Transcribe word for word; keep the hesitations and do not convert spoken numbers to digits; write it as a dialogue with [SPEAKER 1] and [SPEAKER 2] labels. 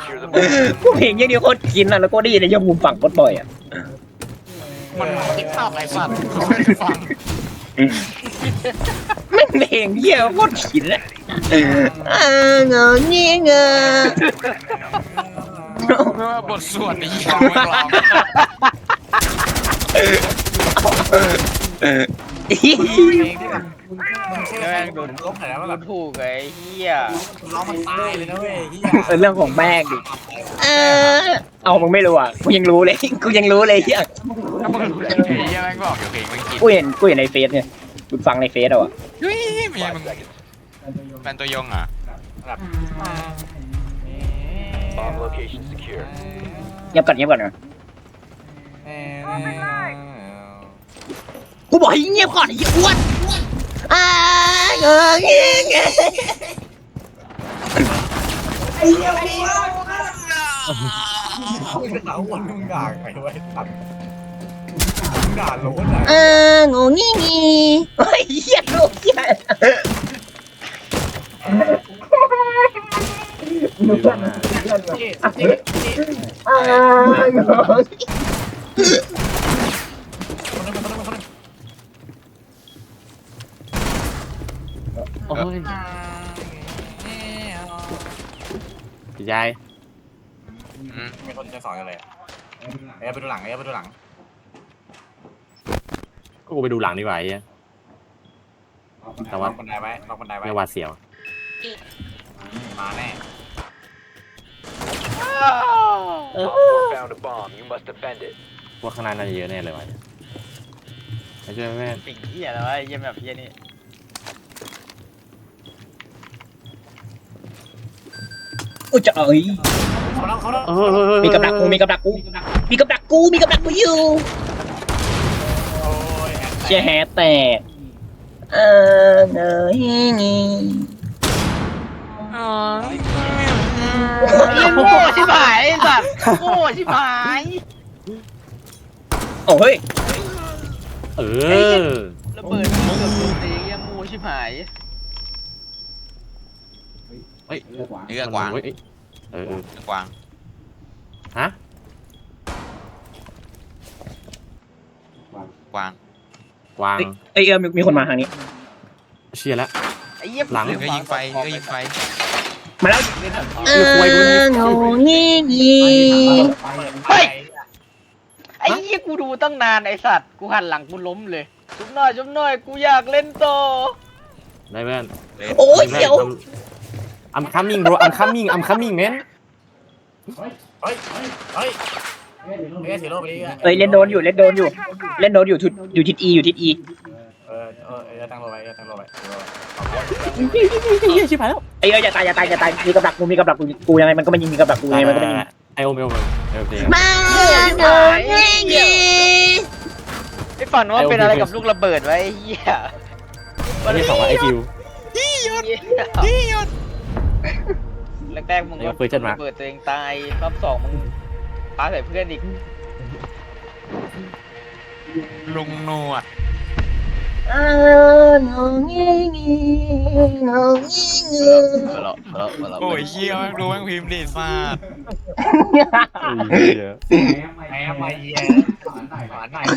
[SPEAKER 1] กูเพลงอย่างเดียวโคตรกินอ่ะแล้วก็ได้ยินในยอดมุมฝั่งโคตรบ่อยอ่ะ
[SPEAKER 2] มันติ๊กต็อกไอ้สัตว์เขาไม่ได้ฟัง
[SPEAKER 1] แม่งเพลงเหี้ยโคตรกินอ่ะอ่าเงาเงี้ยเงา
[SPEAKER 2] ไม่ว่าบทสวดนี่ยังไม่ร้อง
[SPEAKER 3] เพลงที่แบบมึงมึงเชื่อแม่งโดนลบหน่อยนะว่าแบบ
[SPEAKER 4] ถูกไอ้เหี้ย
[SPEAKER 3] ร้องมันตายเลยนะเว้ยที่
[SPEAKER 1] เออเรื่องของแม่งดิเออเอามึงไม่รู้อ่ะกูยังรู้เลยกูยังรู้เลยเหี้ย
[SPEAKER 2] ถ้ามึงรู้จักเพลงยังแม่งบอกอยู่เพลงไม่กิน
[SPEAKER 1] กูเห็นกูเห็นในเฟซเนี่ยกูฟังในเฟซเอาอ่ะ
[SPEAKER 2] ยุ้ยเมียมึงแฟนตัวยงอ่ะ
[SPEAKER 3] แบบ
[SPEAKER 5] Bomb location secure.
[SPEAKER 1] เงียบก่อนเงียบก่อนนะกูบอกให้เงียบก่อนไอ้เหี้ยอ้วนอ่าเงาเงี้ยเงา
[SPEAKER 3] มึงจะเอาวันมึงด่าใครไว้ตัดมึงด่าโล้นอ่ะ
[SPEAKER 1] อ่าโง่งี้งี้ไอ้เหี้ยโลกเหี้ยอ่าโง่
[SPEAKER 6] โอ้ยพี่ชาย
[SPEAKER 3] มีคนจะสอนกันเลยเอ้ยไปดูหลังเอ้ยไปดูหลัง
[SPEAKER 6] ก็กูไปดูหลังดีกว่าไอ้เหี้ย แต่ว่า
[SPEAKER 3] ล็อกบันไดไว้ล็อกบันไดไว้
[SPEAKER 6] ไม่หวาดเสียว
[SPEAKER 3] มาแน่
[SPEAKER 5] Op four found a bomb. You must defend it.
[SPEAKER 6] พวกข้างหน้าน่าจะเยอะแน่เลยวะไม่ช่วยแม่
[SPEAKER 4] สิ่งเหี้ยแล้วไอ้เหี้ยแบบเหี้ยนี่
[SPEAKER 1] กูจะเอ้ย
[SPEAKER 3] เขาแล้วเขาแล้ว
[SPEAKER 6] เออ
[SPEAKER 1] มีกับดักกูมีกับดักกูมีกับดักกูมีกับดักกูอยู่
[SPEAKER 3] โอ้ย
[SPEAKER 1] เชี่ยแฮะแตกเออเงยงี้
[SPEAKER 4] เหี้ยโง่ชิบหายไอ้สัตว์โง่ชิบหาย
[SPEAKER 1] โอ้เฮ้ย
[SPEAKER 6] เออ
[SPEAKER 4] ระเบิดเกือบโดนตีเหี้ยโง่ชิบหาย
[SPEAKER 6] เฮ้ย
[SPEAKER 2] เนื้อกวาง
[SPEAKER 6] เฮ้ยเออเออ
[SPEAKER 2] เนื้อกวาง
[SPEAKER 6] ฮะ
[SPEAKER 2] กวาง
[SPEAKER 6] วาง
[SPEAKER 1] เอ้ยเออมีมีคนมาทางนี้
[SPEAKER 6] เชียร์แล้ว
[SPEAKER 4] ไอ้เหี้ย
[SPEAKER 6] หลัง
[SPEAKER 2] เนื้อยิงไฟเนื้อยิงไฟ
[SPEAKER 1] มาแล้ว
[SPEAKER 6] เออควยดูนี่
[SPEAKER 1] โง่งี้งี้
[SPEAKER 4] เฮ้ยไอ้เหี้ยกูดูตั้งนานไอ้สัตว์กูหันหลังกูล้มเลยจุ๊บหน่อยจุ๊บหน่อยกูอยากเล่นต่อ
[SPEAKER 6] ได้เพื่อน
[SPEAKER 1] โอ้ยเดี๋ยว
[SPEAKER 6] I'm coming bro I'm coming I'm coming man
[SPEAKER 3] เฮ้ยเฮ้ยเฮ้ยเฮ้ยถือโล่ไปดิ
[SPEAKER 1] เอ้ยเล่นโดนอยู่เล่นโดนอยู่ เล่นโดนอยู่ทุดอยู่ทิศอีอยู่ทิศอี
[SPEAKER 3] เออเออเออตั้งโล่ไว้ตั้งโล่ไว้
[SPEAKER 6] เฮียชิบหายแล้ว
[SPEAKER 1] ไอ้เอ้ยอย่าตายอย่าตายอย่าตายมีกับดักกูมีกับดักกูกูยังไงมันก็ไม่ยิงมีกับดักกูยังไงมันก็ไม่ยิง
[SPEAKER 6] ไอโอมไอโอมไอโอม
[SPEAKER 1] มาโง่งี้งี้
[SPEAKER 4] ไอ้ฝันว่าเป็นอะไรกับลูกระเบิดไว้ไอ้เหี้ย
[SPEAKER 6] วันนี้ของว่าไอคิว
[SPEAKER 4] พี่หยุดแรกๆมึง
[SPEAKER 6] เดี๋ยวเปิดจัดมา
[SPEAKER 4] ระเบิดตัวเองตายรอบสองมึงปาใส่เพื่อนอีก
[SPEAKER 2] ลุงหนวด
[SPEAKER 1] อ่าโง่งี้งี้โง่งี้งี้
[SPEAKER 4] มาแล้วมาแล้วมาแล้ว
[SPEAKER 2] โอ้ยเชี่ยแม่งรู้แม่งพิมพ์ดิซาด
[SPEAKER 3] แพ้มาเยี่ยหวานหน่อย